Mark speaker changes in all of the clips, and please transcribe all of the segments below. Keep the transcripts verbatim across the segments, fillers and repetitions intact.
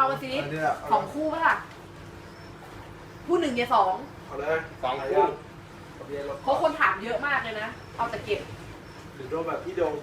Speaker 1: มาสิสองคู่ป่ะล่ะคู่หนึ่งเนี่ยสอง
Speaker 2: เอาเลย
Speaker 3: สองคู่
Speaker 1: เพราะคนถามเยอะมากเลยนะเอาแต่เก็บ
Speaker 2: หรือโดนแบบพี่โดง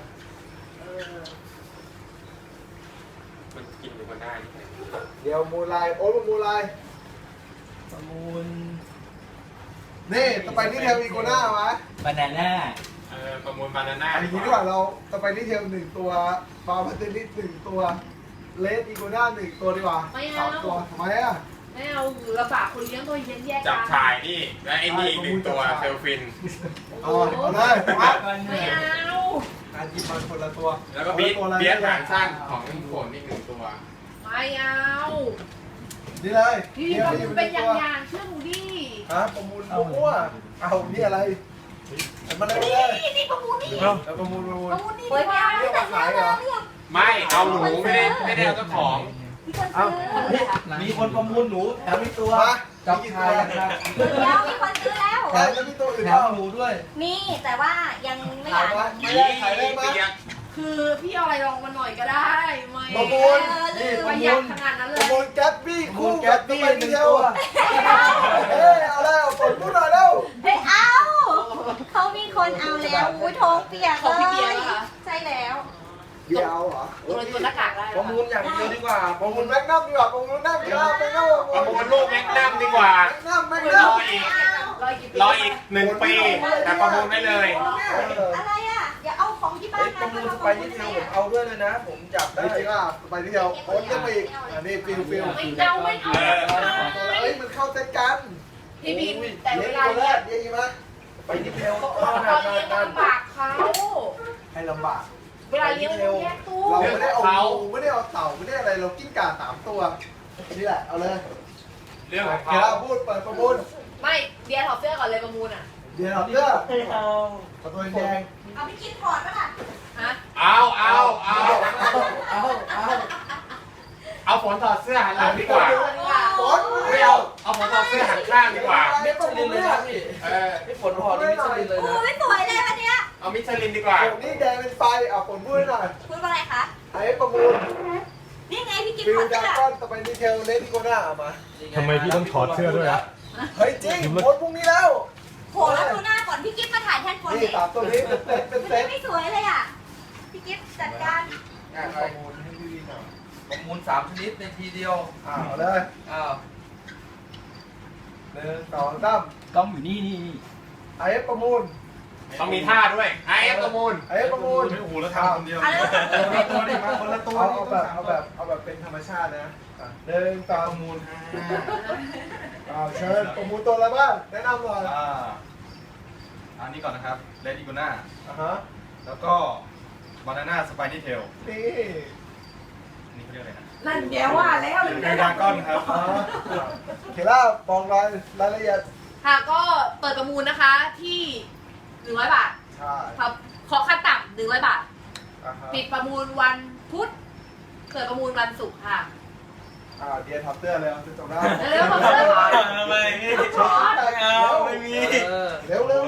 Speaker 3: มันกินอยู่มันได้
Speaker 2: เดี๋ยวมูลายโอ๊ตมูลาย
Speaker 4: ประมูล
Speaker 2: นี่ต่อไปนี่เทลอีโกน่าไหม
Speaker 4: บานาน่า
Speaker 3: เออประมูลบานาน่า
Speaker 2: อันนี้ดีกว่าเราต่อไปนี่เทลหนึ่งตัวฟาร์มาเตนิสหนึ่งตัวเลสอีโกน่าหนึ่งตัวดีกว่าสามตัวทำไมอ่ะ
Speaker 1: ไม่เอาลำบากคนเลี้ยงตัวเย็นแยก
Speaker 3: จับชายนี่และไอ้นี่อีกหนึ่งตัวเซลฟิน
Speaker 2: เอาเอาเลย
Speaker 1: ไม่เอา
Speaker 2: การหยิบมันคนละตัว
Speaker 3: แล้วก็บีทเบียดหางสั้นของโขนอีกหนึ่งตัว
Speaker 1: ไม่เอา
Speaker 2: นี่เลย
Speaker 1: พี่ประมูลเป็นอย่างอย่างเชื่อหนูดิ
Speaker 2: ฮะประมูลมั่วเอานี่อะไรมันอะไรเลย
Speaker 1: นี่นี่ประมูลนี่
Speaker 2: ประมูลประมูล
Speaker 1: ประมูลนี่ไม่เอา
Speaker 2: เรียกว่าขายเหรอ
Speaker 3: ไม่เอาหนูไม่ได้ไม่ได้เอาเจ้าของ
Speaker 4: มีคนประมูลหนูแถมมีตัวจับชายนะครับ
Speaker 5: เดี๋ยวมีคนซื้อแล้ว
Speaker 2: แถมจะมีตัวอื่น
Speaker 4: แถมหนูด้วย
Speaker 5: มีแต่ว่ายังไม่อยาก
Speaker 2: ไม่ได้ขายได้ไหม
Speaker 1: คือพี่เอาอะไรลองมาหน่อยก็ได้ไม่
Speaker 2: ประมูล
Speaker 1: นี่ประหยัดขนาดนั้นเลย
Speaker 2: ประมูลแก๊ปบี้คู่แก๊ปบี้หนึ่งตัวเฮ้ยเอาแล้วฝนพูดหน่อยแล้ว
Speaker 5: เฮ้ยเอาเขามีคนเอาแล้วอุ้ยท้องเปียกเลยใช่แล้ว
Speaker 2: เบียร์เอาเหรอ
Speaker 1: ตัวตัวหน้ากากได้
Speaker 4: ประมูลอย่างเดียวดีกว่า
Speaker 2: ประมูลแม็กนัมดีกว่าประมูลแม็กนัมดีกว่าแม็กนัม
Speaker 3: ประมูลลูกแม็กนัมดีกว่า
Speaker 2: แม็กนัมแม็กนัม
Speaker 3: รออีกรออีกหนึ่งปีแต่ประมูลได้เลย
Speaker 5: อะไรอ่ะอย่าเอาของที่บ้าน
Speaker 4: ประมูลไปที่เดียวผมเอาด้วยเลยนะผมจับได้
Speaker 2: จริงอ่ะไปที่เดียวโค้ดจะไปอีกอันนี้ฟิลฟิล
Speaker 1: ไม่เอาไม่เอา
Speaker 2: เฮ้ยมันเข้าเซตกัน
Speaker 1: พี่บีแต่เวลา
Speaker 2: เรียกเรียกไหม
Speaker 4: ไปที่เดียว
Speaker 1: เขาลำบากเขา
Speaker 2: ให้ลำบาก
Speaker 1: เวลาเลี้ยงต้องแยกตัว
Speaker 2: เราไม่ได้เอาไม่ได้เอาเต่าไม่ได้อะไรเรากิ้งก่าสามตัวนี่แหละเอาเลย
Speaker 3: เรื่องของ
Speaker 2: เขาพูดเปิดประมูล
Speaker 1: ไม่เดียร์ถอดเสื้อก่อนเลยประมูลอ่ะ
Speaker 2: เดียร์ถอดเสื้อเอาประตูแดง
Speaker 5: เอาไปกินถอดป่ะล่ะ
Speaker 1: ฮะ
Speaker 3: เอาเอาเอา
Speaker 2: เอาเอา
Speaker 3: เอาฝนถอดเสื้อหันหลังดีกว่า
Speaker 2: ฝน
Speaker 3: ไม่เอาเอาฝนถอดเสื้อหันข้างดีกว่า
Speaker 4: ไม่ประมูลเลยนะพี่
Speaker 3: เออ
Speaker 4: ไม่ฝนถอดนี่มิชลินเลยนะ
Speaker 5: โอ้ยสวยเลยวันเนี้ย
Speaker 3: เอามิชลินดีกว่า
Speaker 2: นี่แดงเป็นไฟเอาฝนพูดหน่อย
Speaker 5: พูดว่าอะไรคะ
Speaker 2: ไอ้ประมูล
Speaker 5: นี่ไงพี่กิน
Speaker 2: ฟิ
Speaker 5: ถ
Speaker 2: ล
Speaker 5: อดเสื้
Speaker 2: ดา
Speaker 5: อ
Speaker 2: ก้อนต่อไปดีเทลเลดี้โกน่าเอามา
Speaker 6: ทำไมพี่ต้องถอดเสื้อด้วยอ่ะ
Speaker 2: เฮ้ยจริงฝนพรุ่งนี้แล้ว
Speaker 5: โหแล้วดูหน้าก่อนพี่กิฟมาถ่ายแทนฝน
Speaker 2: นี่สามตัวนี้เป็นเซตเป็นเซต
Speaker 5: ไม่สวยเลยอ่ะพี่กิฟจัดการ
Speaker 2: ประมูลให้พี่หน่อย
Speaker 4: ประมูลสามชนิดในทีเดียว
Speaker 2: อ้าวเลย
Speaker 4: อ้าว
Speaker 2: หนึ่งสองสาม
Speaker 4: กล้องอยู่นี่นี่
Speaker 2: ไอ้ประมูล
Speaker 3: ต้องมีท่าด้วยไอ้ประมูล
Speaker 2: ไอ้ประมูล
Speaker 6: ไม่โอ้โหแล้วทำคนเดียว
Speaker 2: คนละตัวดิมาคนละตัวเอาแบบเอาแบบเอาแบบเป็นธรรมชาตินะหนึ่งสองประมูลอ้าวเชิญประมูลตัวอะไรบ้างแนะนำหน่อย
Speaker 6: อ่าอันนี้ก่อนนะครับเลดี้กูน่า
Speaker 2: อ่าฮะ
Speaker 6: แล้วก็บานาน่าสไปนี่เทล
Speaker 2: นี่
Speaker 6: นี่เขาเรียกอะไรนะ
Speaker 1: นั่นเดี๋ยวว่าแล้วเลย
Speaker 6: เดรากอนครับ
Speaker 2: เคล่าบอกรายรายละเอียด
Speaker 1: ค่ะก็เปิดประมูลนะคะที่หนึ่งร้อยบาท
Speaker 2: ใช่
Speaker 1: ครับขอขั้นต่ำหนึ่งร้อยบาทปิดประมูลวันพุธเปิดประมูลวันศุกร์ค่ะ
Speaker 2: อ่าเดียร์ทับเสื้อเลยจะจบได้
Speaker 1: เร็วๆทับเสื้อก่อน
Speaker 4: ทำไมไม่เอาไม่มี
Speaker 2: เร็วเร็ว